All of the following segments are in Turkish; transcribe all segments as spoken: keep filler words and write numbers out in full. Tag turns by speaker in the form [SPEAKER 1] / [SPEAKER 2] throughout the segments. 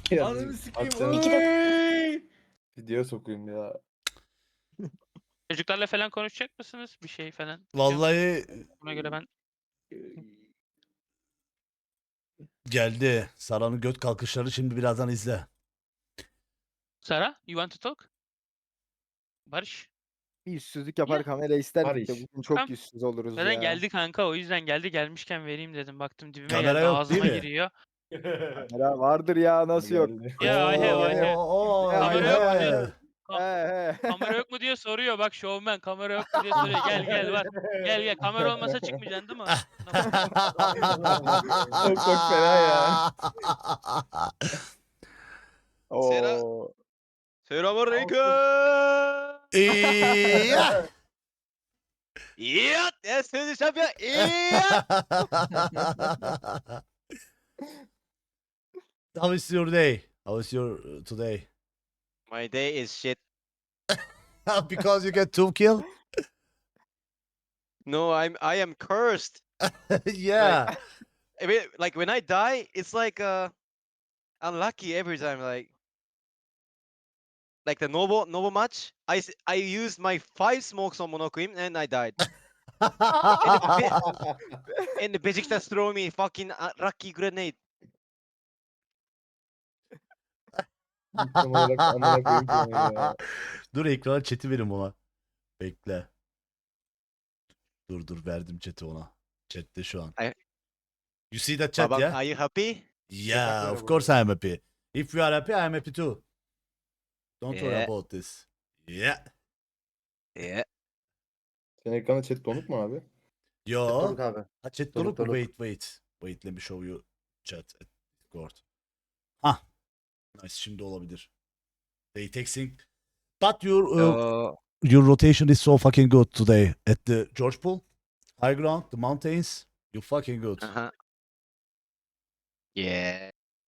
[SPEAKER 1] Ananı sikeyim.
[SPEAKER 2] Aksana.
[SPEAKER 3] İki dakika.
[SPEAKER 1] Oy!
[SPEAKER 2] Video sokayım ya.
[SPEAKER 3] Çocuklarla falan konuşacak mısınız? Bir şey falan.
[SPEAKER 4] Vallahi
[SPEAKER 3] Buna göre ben
[SPEAKER 4] geldi. Sara'nın göt kalkışları şimdi birazdan izle.
[SPEAKER 3] Sara, you want to talk? Barış.
[SPEAKER 5] Bir yüzsüzlük yapar
[SPEAKER 3] Ya.
[SPEAKER 5] kamera isterdik de
[SPEAKER 2] Barış.
[SPEAKER 5] bugün çok
[SPEAKER 3] Tamam.
[SPEAKER 5] yüzsüz oluruz
[SPEAKER 3] Zaten
[SPEAKER 5] ya.
[SPEAKER 3] geldi kanka, o yüzden geldi. Gelmişken vereyim dedim. Baktım dibime
[SPEAKER 4] Kamera
[SPEAKER 3] geldi.
[SPEAKER 4] yok, değil
[SPEAKER 3] Ağzıma
[SPEAKER 4] mi?
[SPEAKER 3] giriyor.
[SPEAKER 5] Kamera vardır ya nasıl yok.
[SPEAKER 2] Geldi.
[SPEAKER 3] Ya I have, I have.
[SPEAKER 4] Oo,
[SPEAKER 3] Kamera
[SPEAKER 5] yok
[SPEAKER 3] mu
[SPEAKER 5] mu
[SPEAKER 3] diyor.
[SPEAKER 5] He he.
[SPEAKER 3] Kamera yok mu diye soruyor. Bak şovmen, kamera yok mu diye soruyor. Gel gel var. Gel gel. Kamera olmasa çıkmayacaksın değil mi? Buna bak.
[SPEAKER 2] Çok çok fena ya.
[SPEAKER 6] Sera-
[SPEAKER 5] Oo.
[SPEAKER 6] Selamünaleyküm.
[SPEAKER 4] İyi.
[SPEAKER 6] İyi. Ya seni şampiyon. İyi.
[SPEAKER 4] How is your day? How is your uh, today?
[SPEAKER 6] My day is shit.
[SPEAKER 4] Because you get two kill?
[SPEAKER 6] No, I'm I am cursed.
[SPEAKER 4] Yeah.
[SPEAKER 6] I mean, like when I die, it's like uh unlucky every time. Like like the noble noble match. I s- I used my five smokes on Monokuyum and I died. And the Besiktas throw me fucking uh, Rocky grenade.
[SPEAKER 2] Tam olarak amına koyayım seni ya.
[SPEAKER 4] Dur ekrana chat'i verin ona. Bekle. Dur dur verdim chat'i ona. Chat'te şu an.
[SPEAKER 6] I-
[SPEAKER 4] You see that chat
[SPEAKER 6] Babang,
[SPEAKER 4] yeah?
[SPEAKER 6] are you happy?
[SPEAKER 4] Yeah,
[SPEAKER 2] böyle
[SPEAKER 4] of
[SPEAKER 2] bu
[SPEAKER 4] course I am happy. If you are happy, I am happy too. Don't worry
[SPEAKER 6] Yeah.
[SPEAKER 4] about this. Yeah.
[SPEAKER 6] Yeah.
[SPEAKER 2] Senin ekranda chat donuk mu abi?
[SPEAKER 4] Yo.
[SPEAKER 1] Doruk abi.
[SPEAKER 4] Ha, chat
[SPEAKER 1] Doruk,
[SPEAKER 4] donuk mu?
[SPEAKER 1] doruk.
[SPEAKER 4] Wait, wait. Wait, let me show you chat at Discord. Hah. Nice, şimdi olabilir. They texting. But your uh,
[SPEAKER 6] So,
[SPEAKER 4] your rotation is so fucking good today at the George Pool, high ground, the mountains. You fucking good.
[SPEAKER 6] uh-huh. Yeah.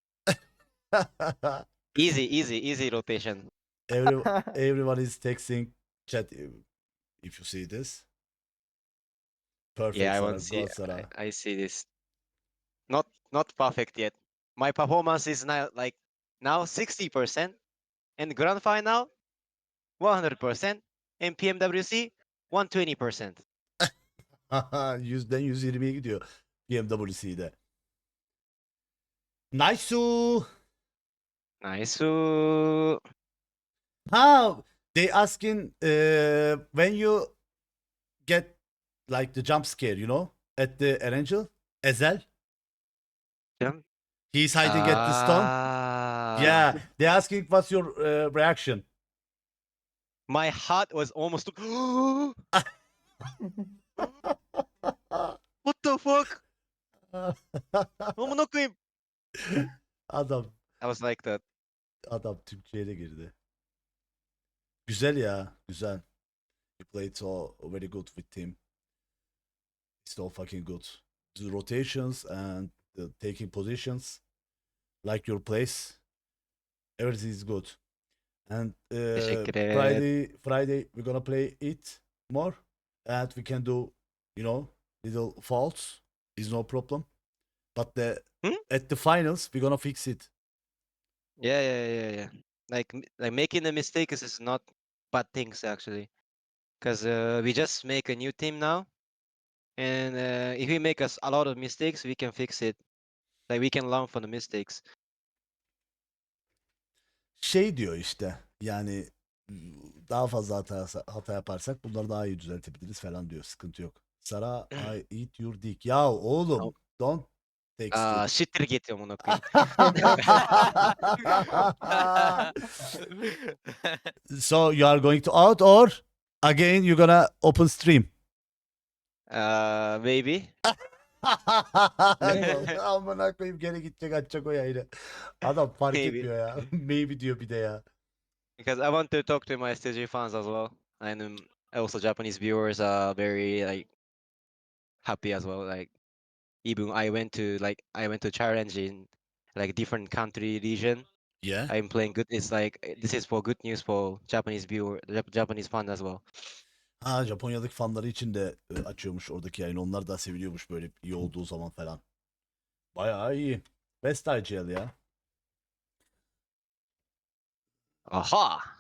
[SPEAKER 6] Easy, easy, easy rotation.
[SPEAKER 4] Every everyone is texting chat. uh, If you see this, perfect.
[SPEAKER 6] Yeah, I
[SPEAKER 4] Sarah,
[SPEAKER 6] want to see.
[SPEAKER 4] go, Sarah.
[SPEAKER 6] I, I see this. Not not perfect yet. My performance is now like now sixty percent, and grand final one hundred percent, and P M W C one hundred twenty percent.
[SPEAKER 4] Yüzden yüz yirmiye gidiyor B M W C'de. Nice.
[SPEAKER 6] Nice. Ooh.
[SPEAKER 4] How they asking uh, when you get like the jump scare, you know, at the Erangel, Ezel.
[SPEAKER 6] Jump?
[SPEAKER 4] He's hiding at the stone.
[SPEAKER 6] Ah.
[SPEAKER 4] Yeah, they asking what's your uh, reaction.
[SPEAKER 6] My heart was almost. What the fuck? Amına koyayım.
[SPEAKER 4] Adam
[SPEAKER 6] I was like that.
[SPEAKER 4] adam Türkiye'ye de girdi. Güzel ya, güzel. You played so very good with team. It's so fucking good. The rotations and the taking positions, like your place, everything is good. And uh,
[SPEAKER 6] Teşekkür ederim.
[SPEAKER 4] Friday, Friday we're gonna play it more, and we can do, you know, little faults. Is no problem. But the
[SPEAKER 6] Hmm?
[SPEAKER 4] at the finals we're gonna fix it.
[SPEAKER 6] Yeah, yeah, yeah, yeah. Like m- like making the mistakes is not bad things actually, because uh, we just make a new team now, and uh, if we make us a lot of mistakes, we can fix it. Like we can learn from the mistakes.
[SPEAKER 4] Şey diyor işte, yani daha fazla hata, hata yaparsak bunları daha iyi düzeltebiliriz falan diyor. Sıkıntı yok. Sara, I eat your dick. Ya oğlum,
[SPEAKER 6] Tamam.
[SPEAKER 4] don't text
[SPEAKER 6] Aa,
[SPEAKER 4] it.
[SPEAKER 6] shittir git amına koyayım.
[SPEAKER 4] So you are going to out or again you're gonna open stream?
[SPEAKER 6] Uh, maybe.
[SPEAKER 4] Amına koyayım, geri gidecek açacak o yayını. Adam fark
[SPEAKER 6] Maybe.
[SPEAKER 4] etmiyor ya. Maybe diyor bir de ya.
[SPEAKER 6] Because I want to talk to my S T G fans as well, and um, also Japanese viewers are very like happy as well. Like even I went to like I went to challenge in like different country region.
[SPEAKER 4] Yeah.
[SPEAKER 6] I'm playing good. It's like uh, this is for good news for Japanese viewer, Jap- Japanese fans as well.
[SPEAKER 4] Ha, Japonya'daki fanları için de e, açıyormuş oradaki yayını. Onlar da seviliyormuş böyle iyi olduğu zaman falan. Bayağı iyi. Best I G L ya.
[SPEAKER 6] Aha.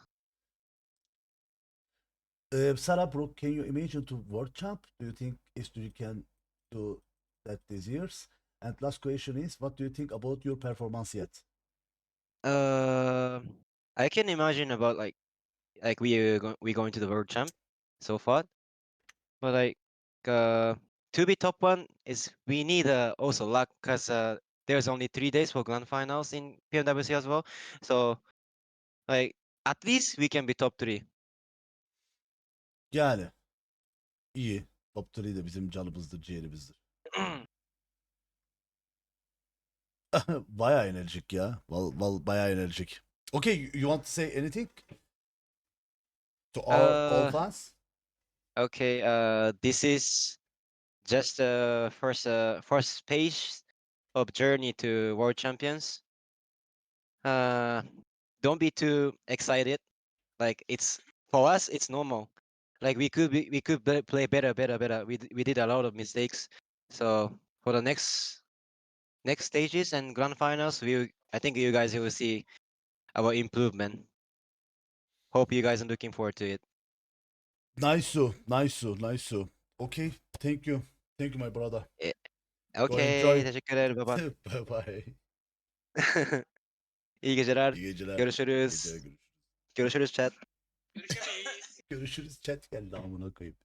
[SPEAKER 4] Uh, Sarah Brooke, can you imagine to world champ? Do you think S two G can do that this years? And last question is, what do you think about your performance yet?
[SPEAKER 6] Uh, I can imagine about like like we are go- we going to the world champ so far, but like uh to be top one is we need uh, also luck because uh there's only three days for grand finals in P M W C as well, so like at least we can be top three.
[SPEAKER 4] Yani iyi. Top üç de bizim canımızdır, ciğerimizdir. Bayağı enerjik ya. Val, val bayağı enerjik. Okay, you, you want to say anything to our all
[SPEAKER 6] uh
[SPEAKER 4] fans?
[SPEAKER 6] okay, uh this is just the first uh first page of journey to world champions. Uh don't be too excited. Like it's for us, it's normal. Like we could be, we could be- play better, better, better. We d- we did a lot of mistakes. So for the next next stages and grand finals, we I think you guys will see our improvement. Hope you guys are looking forward to it.
[SPEAKER 4] Nice, nice, nice. Okay, thank you. Thank you my brother.
[SPEAKER 6] Eh,
[SPEAKER 4] Go
[SPEAKER 6] Okay,
[SPEAKER 4] enjoy.
[SPEAKER 6] teşekkür ederim baba.
[SPEAKER 4] Bye bye.
[SPEAKER 6] İyi geceler.
[SPEAKER 4] İyi geceler.
[SPEAKER 6] Görüşürüz.
[SPEAKER 4] Geceler görüşürüz.
[SPEAKER 6] Görüşürüz chat.
[SPEAKER 4] Görüşürüz chat geldi amına koyayım.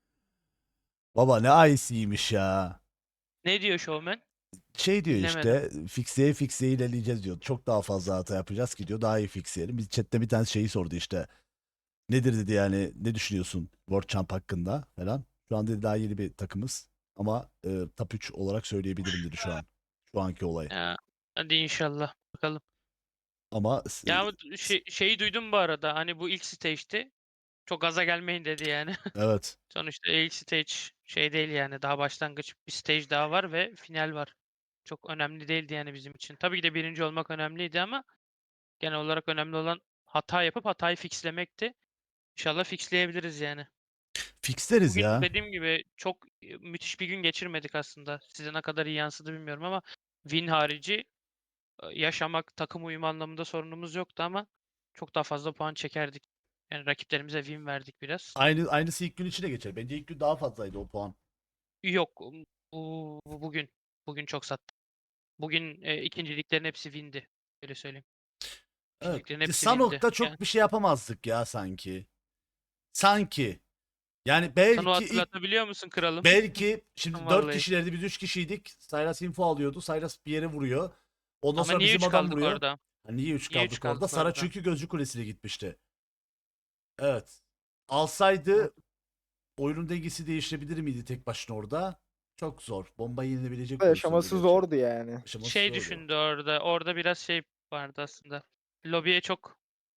[SPEAKER 4] Baba ne ice'ymiş ya.
[SPEAKER 3] Ne diyor Showman?
[SPEAKER 4] Şey diyor
[SPEAKER 3] Dinlemedim.
[SPEAKER 4] işte fikseye fikseye ilerleyeceğiz diyor. Çok daha fazla hata yapacağız ki diyor. Daha iyi fixleyelim. Biz chatte bir tane şeyi sordu işte. Nedir dedi yani ne düşünüyorsun World Champ hakkında falan. Şu an dedi daha yeni bir takımız. Ama e, top üç olarak söyleyebilirim dedi şu an. Şu anki olay.
[SPEAKER 3] Ya, hadi inşallah. Bakalım.
[SPEAKER 4] Ama e,
[SPEAKER 3] Ya bu şey, şeyi duydum bu arada. Hani bu ilk stage'ti. Çok gaza gelmeyin dedi yani.
[SPEAKER 4] evet.
[SPEAKER 3] Sonuçta ilk stage şey değil yani. Daha başlangıç bir stage daha var ve final var. Çok önemli değildi yani bizim için. Tabii ki de birinci olmak önemliydi ama genel olarak önemli olan hata yapıp hatayı fixlemekti. İnşallah fixleyebiliriz yani.
[SPEAKER 4] Fixleriz
[SPEAKER 3] Bugün
[SPEAKER 4] ya.
[SPEAKER 3] dediğim gibi çok e, müthiş bir gün geçirmedik aslında. Size ne kadar iyi yansıdı bilmiyorum ama win harici e, yaşamak, takım uyumu anlamında sorunumuz yoktu ama çok daha fazla puan çekerdik. Yani rakiplerimize win verdik biraz.
[SPEAKER 4] Aynı aynısı ilk gün içine geçer. Bence ilk gün daha fazlaydı o puan.
[SPEAKER 3] Yok um, bu, bu bugün bugün çok sattı. Bugün e, ikinciliklerin hepsi win'di. Öyle söyleyeyim.
[SPEAKER 4] Evet.
[SPEAKER 3] İkinciliklerin hepsi win'di.
[SPEAKER 4] Sanok'ta
[SPEAKER 3] Yani
[SPEAKER 4] çok bir şey yapamazdık ya sanki. Sanki. Yani
[SPEAKER 3] sana o
[SPEAKER 4] belki ilk
[SPEAKER 3] hatırlatabiliyor musun kralım?
[SPEAKER 4] belki şimdi dört
[SPEAKER 3] Vallahi.
[SPEAKER 4] kişilerdi biz üç kişiydik. Sylas info alıyordu. Sylas bir yere vuruyor. Ondan
[SPEAKER 3] Ama
[SPEAKER 4] sonra
[SPEAKER 3] niye
[SPEAKER 4] bizim
[SPEAKER 3] üç
[SPEAKER 4] adam
[SPEAKER 3] kaldık
[SPEAKER 4] vuruyor.
[SPEAKER 3] orada?
[SPEAKER 4] Ha, niye üç
[SPEAKER 3] Niye üç
[SPEAKER 4] kaldık orada?
[SPEAKER 3] kaldık
[SPEAKER 4] Sara
[SPEAKER 3] orada?
[SPEAKER 4] çünkü Gözcü Kulesi'ne gitmişti. Evet. Alsaydı oyunun dengesi değişebilir miydi tek başına orada? Çok zor. Bomba yenilebilecek pozisyonda
[SPEAKER 5] Yaşaması
[SPEAKER 4] gerçi.
[SPEAKER 5] zordu yani.
[SPEAKER 4] Aşaması
[SPEAKER 3] Şey
[SPEAKER 4] zordu.
[SPEAKER 3] düşündü orada. Orada biraz şey vardı aslında. Lobiye çok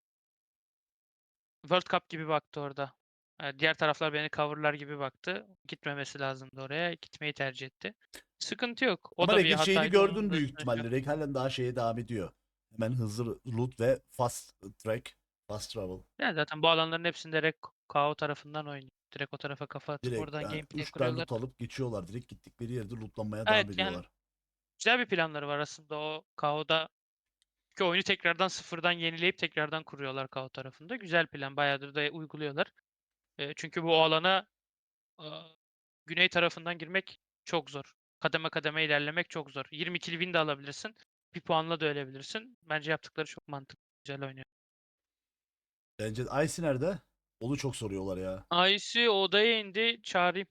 [SPEAKER 3] World Cup gibi baktı orada. Eee, diğer taraflar beni cover'lar gibi baktı. Gitmemesi lazımdı oraya. Gitmeyi tercih etti. Sıkıntı yok. O
[SPEAKER 4] Ama
[SPEAKER 3] da bir
[SPEAKER 4] Reg'in şeyini
[SPEAKER 3] hataydı. Onun
[SPEAKER 4] gördün
[SPEAKER 3] da
[SPEAKER 4] büyük
[SPEAKER 3] üstüne şey yok.
[SPEAKER 4] ihtimalle. Reg halen daha şeye devam ediyor. Hemen hızlı loot ve fast track, fast travel.
[SPEAKER 3] Yani zaten bu alanların hepsinde direkt K O tarafından oynuyor. Direkt o tarafa kafa atıp
[SPEAKER 4] Direkt
[SPEAKER 3] oradan
[SPEAKER 4] yani
[SPEAKER 3] gameplay
[SPEAKER 4] üç tane
[SPEAKER 3] kuruyorlar.
[SPEAKER 4] loot alıp geçiyorlar. Direkt gittikleri yerde lootlanmaya devam
[SPEAKER 3] Evet yani
[SPEAKER 4] ediyorlar.
[SPEAKER 3] güzel bir planları var aslında o K O'da. Çünkü oyunu tekrardan sıfırdan yenileyip tekrardan kuruyorlar K O tarafında. Güzel plan. Bayağıdır da uyguluyorlar. Eee, çünkü bu alana Aaa, güney tarafından girmek çok zor. Kademe kademe ilerlemek çok zor. yirmi kill win de alabilirsin. Bir puanla da ölebilirsin. Bence yaptıkları çok mantıklı. Güzel oynuyor.
[SPEAKER 4] Bence Icy nerede? Onu çok soruyorlar ya.
[SPEAKER 3] Aysi odaya indi. Çağırayım.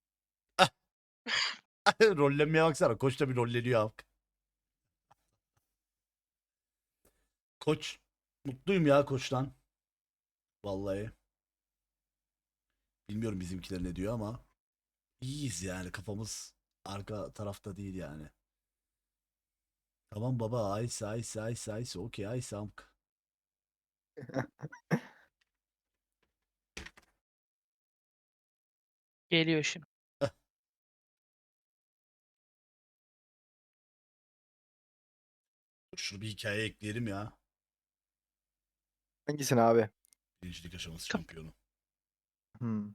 [SPEAKER 4] Rollenmeye baksana. Koç da bir rolleniyor halk. Koç. Mutluyum ya koçtan. Vallahi. Bilmiyorum bizimkiler ne diyor ama. İyiyiz yani. Kafamız arka tarafta değil yani. Tamam baba. Ice, ice, ice, ice. Okey, ice, amk.
[SPEAKER 3] Geliyor şimdi.
[SPEAKER 4] Şunu bir hikaye ekleyelim ya.
[SPEAKER 5] Hangisini abi?
[SPEAKER 4] Birincilik aşaması
[SPEAKER 3] Tamam.
[SPEAKER 4] şampiyonu.
[SPEAKER 5] Hmm.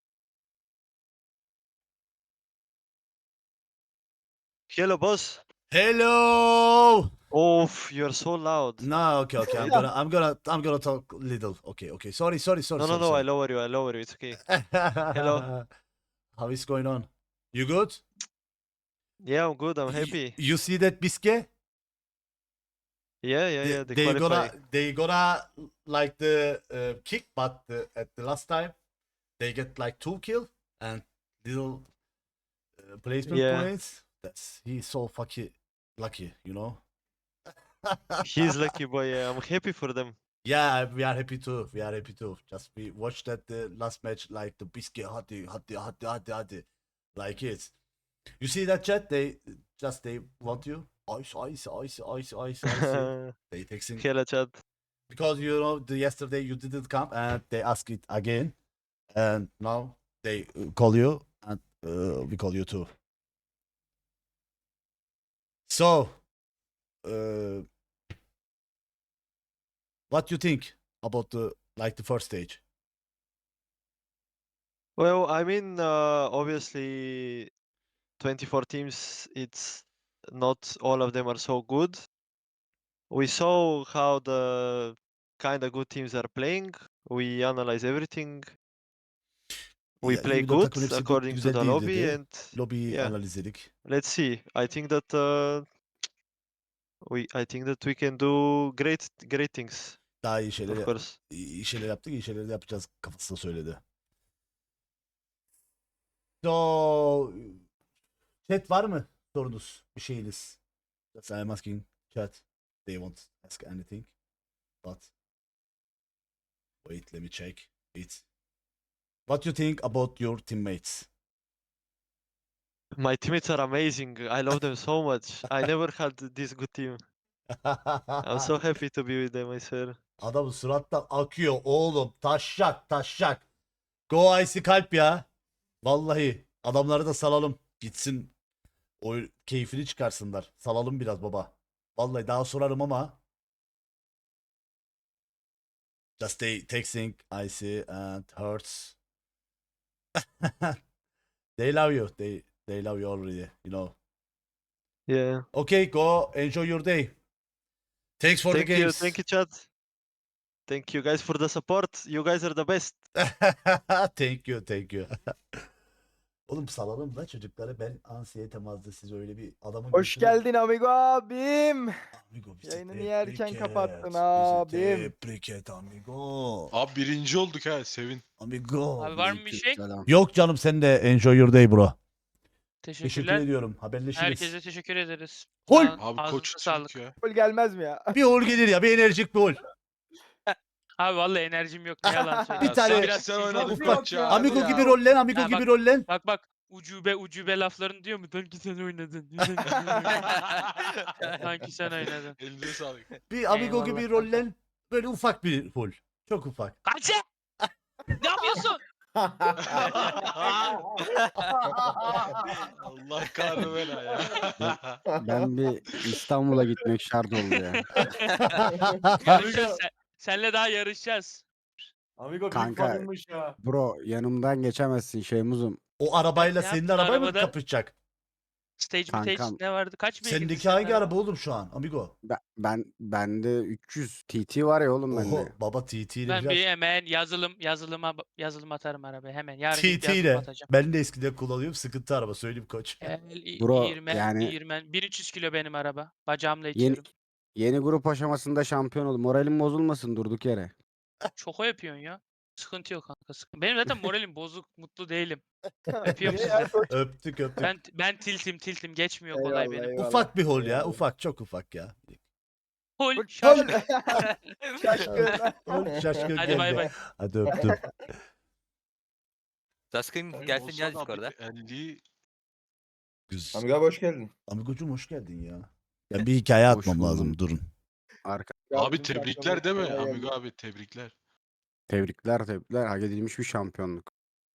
[SPEAKER 6] Hello boss.
[SPEAKER 4] Hello.
[SPEAKER 1] Oof, you're so loud.
[SPEAKER 4] No, okay, okay. I'm gonna, I'm gonna, I'm gonna talk little. Okay, okay. Sorry, sorry, sorry.
[SPEAKER 1] No, no,
[SPEAKER 4] sorry,
[SPEAKER 1] no, I
[SPEAKER 4] sorry.
[SPEAKER 1] lower you, I lower you, it's okay.
[SPEAKER 4] Hello. How is going on? You good?
[SPEAKER 1] Yeah, I'm good, I'm
[SPEAKER 4] Y-
[SPEAKER 1] happy.
[SPEAKER 4] You see that biscuit?
[SPEAKER 1] Yeah, yeah,
[SPEAKER 4] They,
[SPEAKER 1] yeah, they,
[SPEAKER 4] they
[SPEAKER 1] qualify.
[SPEAKER 4] gonna, they gonna like the uh, kick, but the, at the last time they get like two kill and little uh, placement
[SPEAKER 1] Yeah.
[SPEAKER 4] points. That's he's so fucking lucky, you know.
[SPEAKER 1] He's lucky boy, yeah, I'm happy for them.
[SPEAKER 4] Yeah, we are happy too. We are happy too. Just we watched that the last match like the biscuit hadi hadi hadi hadi hadi like it. You see that chat? They just they want you. Ice ice ice ice ice ice. They texting
[SPEAKER 1] Hello chat.
[SPEAKER 4] because you know the yesterday you didn't come and they ask it again, and now they uh, call you and uh, we call you too. So, uh, what you think about the like the first stage?
[SPEAKER 1] Well, I mean, uh, obviously, twenty-four teams, it's not all of them are so good. We saw how the kind of good teams are playing. We analyze everything. We
[SPEAKER 4] Ya,
[SPEAKER 1] play
[SPEAKER 4] yirmi dört
[SPEAKER 1] good
[SPEAKER 4] takımın hepsi good,
[SPEAKER 1] according to
[SPEAKER 4] güzel
[SPEAKER 1] the
[SPEAKER 4] değil
[SPEAKER 1] lobby,
[SPEAKER 4] dedi.
[SPEAKER 1] and
[SPEAKER 4] Lobiyi
[SPEAKER 1] yeah,
[SPEAKER 4] analiz edik.
[SPEAKER 1] let's see. I think that uh, we, I think that we can do great, great things,
[SPEAKER 4] Daha iyi
[SPEAKER 1] of
[SPEAKER 4] şeyler
[SPEAKER 1] course.
[SPEAKER 4] iyi şeyler yaptık, iyi şeyler de yapacağız kafasında söyledi. So, chat var mı sorunuz, bir şeyiniz? Just I'm asking chat. They won't ask anything. But wait, let me check it. What you think about your teammates?
[SPEAKER 1] My teammates are amazing. I love them so much. I never had this good team. I'm so happy to be with them, I swear.
[SPEAKER 4] Adamın surattan akıyor oğlum. Taşşak taşşak. Go Icy kalp ya. Vallahi adamları da salalım. Gitsin o keyfini çıkarsınlar. Salalım biraz baba. Vallahi daha sorarım ama. Just they texting Icy and Hurts. They love you. They they love you already, you know.
[SPEAKER 1] Yeah.
[SPEAKER 4] Okay, go enjoy your day. Thanks for
[SPEAKER 1] Thank
[SPEAKER 4] the
[SPEAKER 1] you,
[SPEAKER 4] games.
[SPEAKER 1] thank you, chat. Thank you guys for the support. You guys are the best.
[SPEAKER 4] Thank you, thank you. Oğlum salalım da çocukları, ben ansiyete mazda siz öyle bir adamın
[SPEAKER 5] Hoş
[SPEAKER 4] götüne-
[SPEAKER 5] geldin amigo abim.
[SPEAKER 4] Amigo bizi
[SPEAKER 5] Yayını niye erken
[SPEAKER 4] tebrik
[SPEAKER 5] kapattın
[SPEAKER 4] et, bizi
[SPEAKER 5] abim?
[SPEAKER 4] Tebrik et amigo.
[SPEAKER 2] Abi birinci olduk ha sevin.
[SPEAKER 4] Amigo.
[SPEAKER 3] Abi var mı bir şey?
[SPEAKER 4] Yok canım, sen de enjoy your day bro. Teşekkür
[SPEAKER 3] Teşekkürler.
[SPEAKER 4] ediyorum. Haberleşiriz.
[SPEAKER 3] Herkese teşekkür ederiz.
[SPEAKER 4] Hol!
[SPEAKER 3] Sağ olun,
[SPEAKER 2] Abi
[SPEAKER 3] ağzınıza
[SPEAKER 2] koç
[SPEAKER 3] sağlık.
[SPEAKER 2] Türk ya.
[SPEAKER 5] Gol gelmez mi ya?
[SPEAKER 4] Bir hol gelir ya, bir enerjik bir hol.
[SPEAKER 3] Abi vallahi enerjim yok, ne yalan
[SPEAKER 4] Bir
[SPEAKER 3] söyleyeyim.
[SPEAKER 4] tane-
[SPEAKER 3] Ben
[SPEAKER 2] Sen,
[SPEAKER 3] biraz
[SPEAKER 2] sen
[SPEAKER 3] sinirliyim.
[SPEAKER 2] oynadın
[SPEAKER 5] Nasıl yok
[SPEAKER 2] koç
[SPEAKER 5] ya?
[SPEAKER 2] ya.
[SPEAKER 4] Amigo
[SPEAKER 5] ya.
[SPEAKER 4] gibi rollen, amigo
[SPEAKER 3] Ha,
[SPEAKER 4] gibi
[SPEAKER 3] bak-
[SPEAKER 4] rollen.
[SPEAKER 3] Bak bak ucube ucube laflarını diyor mu? Sanki sen oynadın. Sanki sen oynadın. Sanki sen oynadın.
[SPEAKER 2] Elinize sağlık.
[SPEAKER 4] Bir amigo
[SPEAKER 3] Eyvallah
[SPEAKER 4] gibi
[SPEAKER 3] kanka.
[SPEAKER 4] rollen. Böyle ufak bir hol. Çok ufak.
[SPEAKER 3] Kaçı! Ne yapıyorsun?
[SPEAKER 2] Allah kahretsin bela ya.
[SPEAKER 7] Ben bir İstanbul'a gitmek şart oldu ya.
[SPEAKER 3] Yarışacağız. Sen, senle daha yarışacağız.
[SPEAKER 8] Amigo
[SPEAKER 7] Kanka.
[SPEAKER 8] büyük fanınmış ya.
[SPEAKER 7] Bro yanımdan geçemezsin Şeymuz'um.
[SPEAKER 4] O arabayla
[SPEAKER 3] Ne
[SPEAKER 4] senin
[SPEAKER 3] yaptın
[SPEAKER 4] arabayla mı
[SPEAKER 3] arabada?
[SPEAKER 4] kapışacak?
[SPEAKER 3] Stage mi stage
[SPEAKER 7] Kankam.
[SPEAKER 3] ne vardı? Kaç beygirdi
[SPEAKER 4] Sendeki
[SPEAKER 3] senin
[SPEAKER 4] hangi
[SPEAKER 3] araba?
[SPEAKER 4] araba oğlum şu an amigo?
[SPEAKER 7] Ben, ben bende üç yüz T T var ya oğlum
[SPEAKER 4] Oho
[SPEAKER 7] bende.
[SPEAKER 4] baba T T ile
[SPEAKER 3] Ben
[SPEAKER 4] biraz.
[SPEAKER 3] bir hemen yazılım yazılıma yazılım atarım arabaya hemen. Yarın gidip
[SPEAKER 4] T T
[SPEAKER 3] yazılım
[SPEAKER 4] ile.
[SPEAKER 3] atacağım.
[SPEAKER 4] Ben de eskiden kullanıyorum. Sıkıntı araba söyleyeyim koç.
[SPEAKER 3] El,
[SPEAKER 7] Bro,
[SPEAKER 3] İğirmen,
[SPEAKER 7] yani-
[SPEAKER 3] İğirmen. bin üç yüz kilo benim araba. Bacağımla
[SPEAKER 7] Yeni,
[SPEAKER 3] itiyorum.
[SPEAKER 7] yeni grup aşamasında şampiyon oldum. Moralim bozulmasın durduk yere.
[SPEAKER 3] Çok o yapıyorsun ya. Sıkıntı yok kanka. Sıkıntı. Benim zaten moralim bozuk. Mutlu değilim. Öpüyorum
[SPEAKER 5] Niye
[SPEAKER 3] sizi.
[SPEAKER 5] ya? Koç-
[SPEAKER 4] Öptük öptük.
[SPEAKER 3] Ben ben tiltim tiltim geçmiyor kolay
[SPEAKER 5] Eyvallah,
[SPEAKER 3] benim.
[SPEAKER 5] eyvallah.
[SPEAKER 4] Ufak bir hol ya.
[SPEAKER 5] Eyvallah.
[SPEAKER 4] Ufak, çok ufak ya.
[SPEAKER 3] Hol
[SPEAKER 5] Hol-
[SPEAKER 3] şaşkın.
[SPEAKER 5] Şaşkın.
[SPEAKER 4] Hol şaşkın
[SPEAKER 3] Hadi
[SPEAKER 4] geldi.
[SPEAKER 3] bay bay.
[SPEAKER 4] Hadi öptüm.
[SPEAKER 9] Task'ın gelsin
[SPEAKER 2] Olsa
[SPEAKER 9] gel
[SPEAKER 2] da
[SPEAKER 9] Discord'a.
[SPEAKER 2] bir elli
[SPEAKER 4] Güzel.
[SPEAKER 8] Amigo abi hoş geldin.
[SPEAKER 4] Amigocuğum hoş geldin ya. Ben bir hikaye
[SPEAKER 7] Hoş
[SPEAKER 4] atmam lazım.
[SPEAKER 7] buldum.
[SPEAKER 4] Durun.
[SPEAKER 7] Arka
[SPEAKER 2] Abi
[SPEAKER 5] Bizim
[SPEAKER 2] tebrikler
[SPEAKER 5] şampiyonluk
[SPEAKER 2] değil mi?
[SPEAKER 5] kolay gelsin.
[SPEAKER 2] Amigo abi tebrikler.
[SPEAKER 7] tebrikler tebrikler. Hak edilmiş bir şampiyonluk.